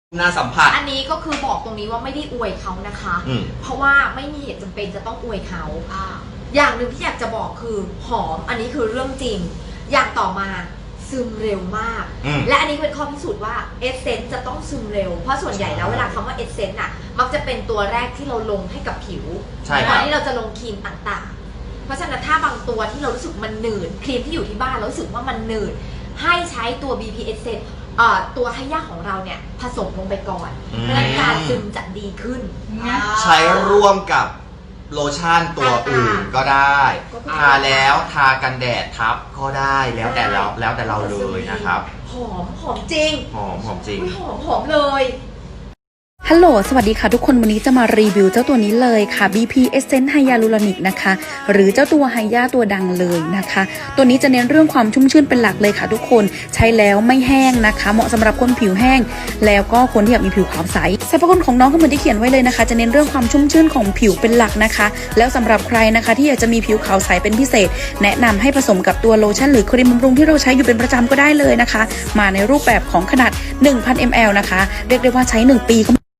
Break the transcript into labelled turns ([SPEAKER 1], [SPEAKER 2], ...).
[SPEAKER 1] น่าสัมผัส
[SPEAKER 2] อันนี้ก็คือบอกตรงนี้ว่าไม่ได้อวยเขานะคะ เพราะว่าไม่มีเหตุจำเป็นจะต้องอวยเขาอย่างหนึ่งที่อยากจะบอกคือหอมอันนี้คือเรื่องจริงอย่างต่อมาซึมเร็วมากและอันนี้เป็นข้อพิสูจน์ว่าเอสเซนต์จะต้องซึมเร็วเพราะส่วนใหญ่แล้วเวลาคำว่าเอสเซนต์อ่ะมักจะเป็นตัวแรกที่เราลงให้กับผิวก่อนที่เราจะลงครีมต่างๆเพราะฉะนั้นถ้าบางตัวที่เรารู้สึกมันหนืดครีมที่อยู่ที่บ้านเรารู้สึกว่ามันหนืดให้ใช้ตัว BP Essence ตัวให้ยาของเราเนี่ยผสมลงไปก่อนเพื่อการซึมจะดีขึ้น
[SPEAKER 1] ใช้ร่วมกับโลชั่นตัวอื่นก็ได้ทาแล้วทากันแดดทับก็ได้แล้วแต่เราเลยนะครับ
[SPEAKER 2] หอมจริง
[SPEAKER 1] หอมจริง
[SPEAKER 2] หอมเลย
[SPEAKER 3] ฮัลโหลสวัสดีค่ะทุกคนวันนี้จะมารีวิวเจ้าตัวนี้เลยค่ะ BP Essence Hyaluronic นะคะหรือเจ้าตัวไฮยาตัวดังเลยนะคะตัวนี้จะเน้นเรื่องความชุ่มชื่นเป็นหลักเลยค่ะทุกคนใช้แล้วไม่แห้งนะคะเหมาะสำหรับคนผิวแห้งแล้วก็คนที่อยากมีผิวขาวใสสรรพคุณของน้องก็เหมือนที่เขียนไว้เลยนะคะจะเน้นเรื่องความชุ่มชื่นของผิวเป็นหลักนะคะแล้วสำหรับใครนะคะที่อยากจะมีผิวขาวใสเป็นพิเศษแนะนำให้ผสมกับตัวโลชั่นหรือครีมบำรุงที่เราใช้อยู่เป็นประจำก็ได้เลยนะคะมาในรูปแบบของขนาด 1,000 ml นะคะเรียกได้ว่าใช้1 ปีก็